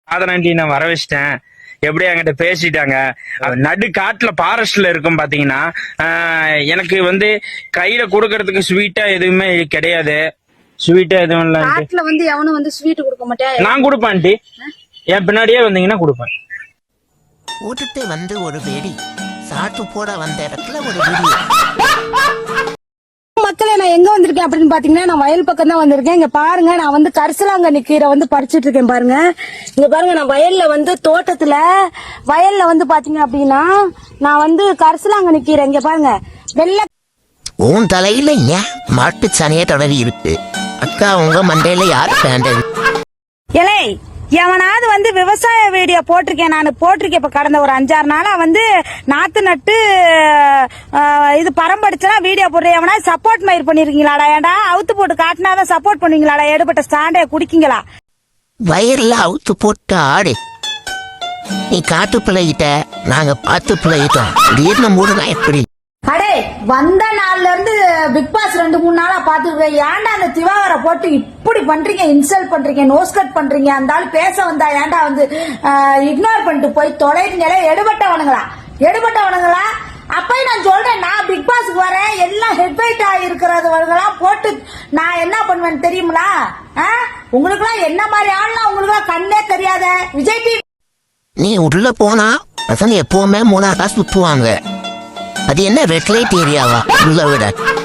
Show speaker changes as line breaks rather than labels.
ஆதனாண்டி நான் வர வச்சிட்டேன். எப்படி என்கிட்ட பேசிட்டாங்க. நடு காட்டுல ஃபாரஸ்ட்ல இருக்கும் பாத்தீங்கன்னா, எனக்கு வந்து கையில கொடுக்கறதுக்கு ஸ்வீட்டா எதுவுமே கிடையாது. ஸ்வீட்டா எதுவும் இல்ல.
காட்டுல வந்து எவனும் வந்து ஸ்வீட் கொடுக்க மாட்டேன்.
நான் கொடுப்பேன் ஆண்டி. என் பின்னாடியே வந்தீங்கன்னா கொடுப்பேன்.
கூட்டத்தை வந்து ஒரு வெடி சாட்டு போட வந்த இடத்துல ஒரு வெடி.
மக்களே, நான் எங்க வந்திருக்கேன் அப்படின்னு பாத்தீங்கன்னா, நான் வயல் பக்கம் தான் வந்திருக்கேன். இங்க பாருங்க, நான் வந்து கரிசலாங்கண்ணி கீரை வந்து பறிச்சிட்டு இருக்கேன். பாருங்க, இங்க பாருங்க, நான் வயல்ல வந்து தோட்டத்துல வயல்ல வந்து பாத்தீங்க அப்படின்னா, நான் வந்து கரிசலாங்கண்ணி கீரை இங்க பாருங்க வெள்ளை.
உன் தலையில ஏன் மாட்டு சனிய தொடரி இருக்கு? அக்கா, உங்க மண்டையில யாரு பேண்டது?
இலை எவனாவது வந்து விவசாய வீடியோ போட்டிருக்கேன், நான் போட்டிருக்கேன். இப்ப கடந்த ஒரு 5-6 நாளா வந்து நாத்து நட்டு இது பரம்படிச்சனா வீடியோ போடுறேன். எவனாவது சப்போர்ட் மயிர் பண்ணிருக்கீங்களாடா? ஏன்டா அவுத்து போட்டு காட்டினாதான் சப்போர்ட் பண்ணுவீங்களாடா? எடுபட்ட ஸ்டாண்டே குடிக்கீங்களா?
வயர்ல அவுத்து போட்டு ஆடு. நீ காட்டு பிள்ளைகிட்ட, நாங்க பார்த்து பிள்ளைகிட்டோம். திடீர்னு மூடுனா எப்படி?
அடே, வந்த நாள்ல இருந்து பிக் பாஸ் 2-3 நாளா பாத்துருக்கேன். ஏன்டா அந்த திவாகரை போட்டு இப்படி பண்றீங்க, இன்சல்ட் பண்றீங்க, நோஸ் கட் பண்றீங்க? அந்த ஆள் பேச வந்தா ஏன்டா வந்து இக்னோர் பண்ணிட்டு போய் தொலைங்களே? எடுபட்டவனுங்களா? அப்பயும் நான் சொல்றேன், நான் பிக் பாஸ்க்கு வரேன், எல்லாம் ஹெட்வைட் ஆகிருக்கிறவங்களாம் போட்டு நான் என்ன பண்ணுவேன்னு தெரியுங்களா? உங்களுக்குலாம் என்ன மாதிரி ஆள்லாம் உங்களுக்குலாம் கண்ணே தெரியாத விஜய் டிவி.
நீ உள்ள போனா பசங்க எப்பவுமே 3 காசு சுத்துவாங்க. அது என்ன ரெட் லைட் ஏரியாவா? உள்ள விட